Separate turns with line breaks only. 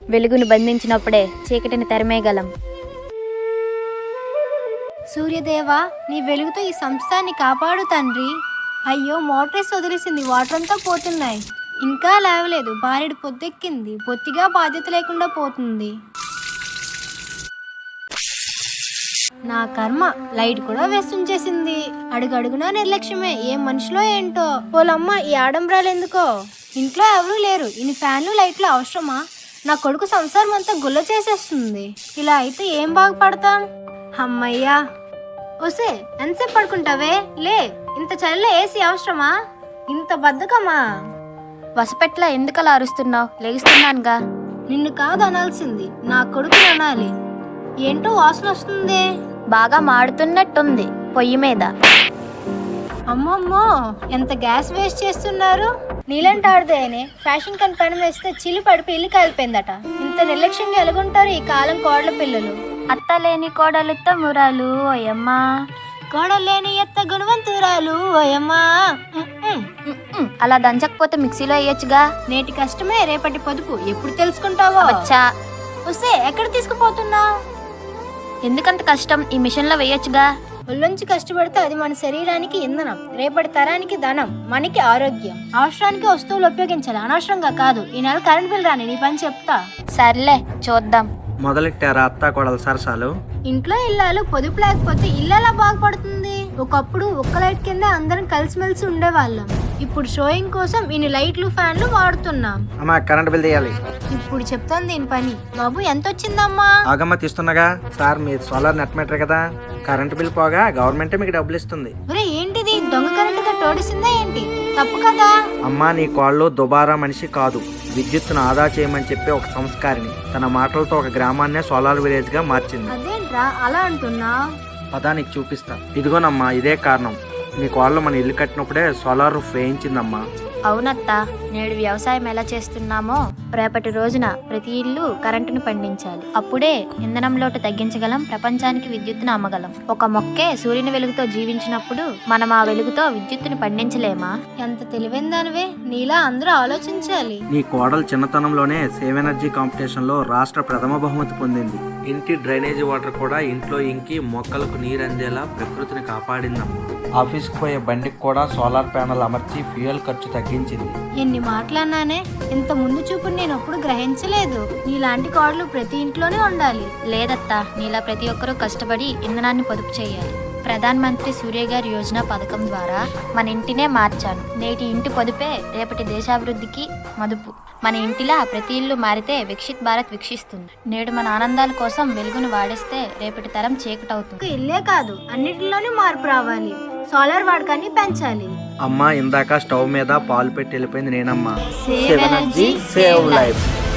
వెలుగును బంధించినప్పుడే చీకటిని తరిమేయగలం.
సూర్యదేవా, నీ వెలుగుతో ఈ సంస్థాన్ని కాపాడు తండ్రి. అయ్యో, మోటార్స్ వదిలేసింది, వాటర్ అంతా పోతున్నాయి. ఇంకా లేవలేదు, భార్యడు పొద్దెక్కింది, బొత్తిగా బాధ్యత లేకుండా పోతుంది. నా కర్మ, లైట్ కూడా వేస్తుంచేసింది. అడుగడుగునా నిర్లక్ష్యమే, ఏం మనుషులో ఏంటో. పోలమ్మ, ఈ ఆడంబరాలు ఎందుకో? ఇంట్లో ఎవరూ లేరు, ఇన్ని ఫ్యాన్లు లైట్లు అవసరమా? నా కొడుకు సంసారం అంతా గుల్ల చేసేస్తుంది. ఇలా అయితే ఏం బాగుపడతాం? అమ్మయ్యా. ఒసే, ఎంతసేపు పడుకుంటావే? లే, ఇంత చలిలో ఏసీ అవసరమా? ఇంత బద్ధకమా?
వసపెట్ల ఎందుకలా అరుస్తున్నావు? లెగిస్తున్నానుగా.
నిన్ను కాదు అనాల్సింది, నా కొడుకు అనాలి. ఏంటో వాసన వస్తుంది.
బాగా మాడుతున్నట్టుంది పొయ్యి మీద.
అమ్మమ్మో, ఎంత గ్యాస్ వేస్ట్ చేస్తున్నారు. నీలంటాడుదేనే ఫ్యాషన్ కని పని వేస్తే చిల్లు పడిపి ఇల్లు కాలిపోయిందట. ఇంత నిర్లక్ష్యంగా ఎలాగుంటారు ఈ కాలం కోడల పిల్లలు.
అత్త లేని కోడలు తమ్మురాలు ఓయమ్మా,
కోడలేని ఎత్త గుణవంతురాలు ఓయమ్మా.
అలా దంచకపోతే మిక్సీలో వేయొచ్చుగా.
నేటి కష్టమే రేపటి పొదుపు, ఎప్పుడు తెలుసుకుంటావో.
వచ్చా.
వస్తే ఎక్కడ తీసుకుపోతున్నావు?
ఎందుకంత కష్టం, ఈ మిషన్ లో వేయొచ్చుగా.
ఒళ్ళొంచి కష్టపడితే అది మన శరీరానికి ఇంధనం, రేపటి తరానికి ధనం, మనకి ఆరోగ్యం. అవసరానికి వస్తువులు ఉపయోగించాలి, అనవసరంగా కాదు. ఈ నెల కరెంట్ బిల్ రాని నీ పని చెప్తా.
సర్లే, చూద్దాం.
మొదలెట్టారా అత్తా కోడల సరసాలు?
ఇంట్లో ఇల్లాలు పొదుపు లేకపోతే ఇల్లు ఎలా బాగుపడుతుంది? ఒకప్పుడు ఒక్క లైట్ కింద అందరం కలిసిమెలిసి ఉండేవాళ్ళం. ఇప్పుడు షోయింగ్ కోసం ఇన్ని లైట్లు ఫ్యాన్లు వాడుతున్నాం.
అమ్మా, కరెంట్ బిల్ తీయాలి.
ఇప్పుడు చెప్తాను దీని పని. బాబు, ఎంత వచ్చిందమ్మా?
ఆగమ్మ, తీస్తున్నాగా. సార్, మీరు సోలార్ నెట్ మీటర్ కదా, కరెంట్ బిల్ పోగా గవర్నమెంటే మీకు డబ్బులు ఇస్తుంది.
ఒరే, ఏంటిది? దొంగ కరెంటుగా తోడిసిందా ఏంటి? తప్పు కదా.
అమ్మా, నీ కాళ్ళు దుబారా మనిషి కాదు, విద్యుత్తును ఆదా చేయమని చెప్పే ఒక సంస్కారిని. తన మాటలతో ఒక గ్రామాన్నే సోలార్ విలేజ్ గా మార్చింది.
అదేంట్రా అలా అంటున్నా?
పదా, నీకు చూపిస్తా. ఇదిగోనమ్మా, ఇదే కారణం. నీ కాళ్ళు మన ఇల్లు కట్టినప్పుడే సోలార్ రూఫ్ వేయించిందమ్మా.
అవునత్తా, నేడు వ్యవసాయం ఎలా చేస్తున్నామో రేపటి రోజున ప్రతి ఇల్లు కరెంటును పండించాలి. అప్పుడే ఇంధనం లోటు తగ్గించగలం, ప్రపంచానికి విద్యుత్తును అమ్మగలం. ఒక మొక్కే సూర్యుని వెలుగుతో జీవించినప్పుడు మనం ఆ వెలుగుతో విద్యుత్తుని పండించలేమా?
ఎంత తెలివైన దానివే, నీలా అందరూ ఆలోచించాలి.
నీ కోడలు చిన్నతనంలోనే సేవ్ ఎనర్జీ కాంపిటీషన్ లో రాష్ట్ర ప్రథమ బహుమతి పొందింది. ఇంటి డ్రైనేజీ వాటర్ కూడా ఇంట్లో ఇంకి మొక్కలకు నీరు అందేలా ప్రకృతిని కాపాడిందమ్మా. ఆఫీస్కి పోయే బండికి కూడా సోలార్ ప్యానెల్ అమర్చి ఫ్యూయల్ ఖర్చు తగ్గించింది.
ఎన్ని మాటలన్నానే, ఇంత ముందు చూపుని నేను ఎప్పుడు గ్రహించలేదు. నీలాంటి కోడలు ప్రతి ఇంట్లోనే ఉండాలి.
లేదత్తా, నీలా ప్రతి ఒక్కరూ కష్టపడి ఇంధనాన్ని పొదుపు చేయాలి. ప్రధాన్ మంత్రి సూర్య గారి యోజన పథకం ద్వారా మన ఇంటినే మార్చాను. నేటి ఇంటి పొదుపే రేపటి దేశాభివృద్ధికి మదుపు. మన ఇంటిలా ప్రతి ఇల్లు మారితే వికసిత్ భారత్ వికసిస్తుంది. నేడు మన ఆనందాల కోసం వెలుగును వాడేస్తే రేపటి తరం చీకటవుతుంది.
ఇల్లే కాదు, అన్నిటిలోనే మార్పు రావాలి. సోలార్ వాడకాన్ని పెంచాలి.
అమ్మా, ఇందాక స్టవ్ మీద పాలు పెట్టి వెళ్ళిపోయింది నేనమ్మా.
Save energy, save life.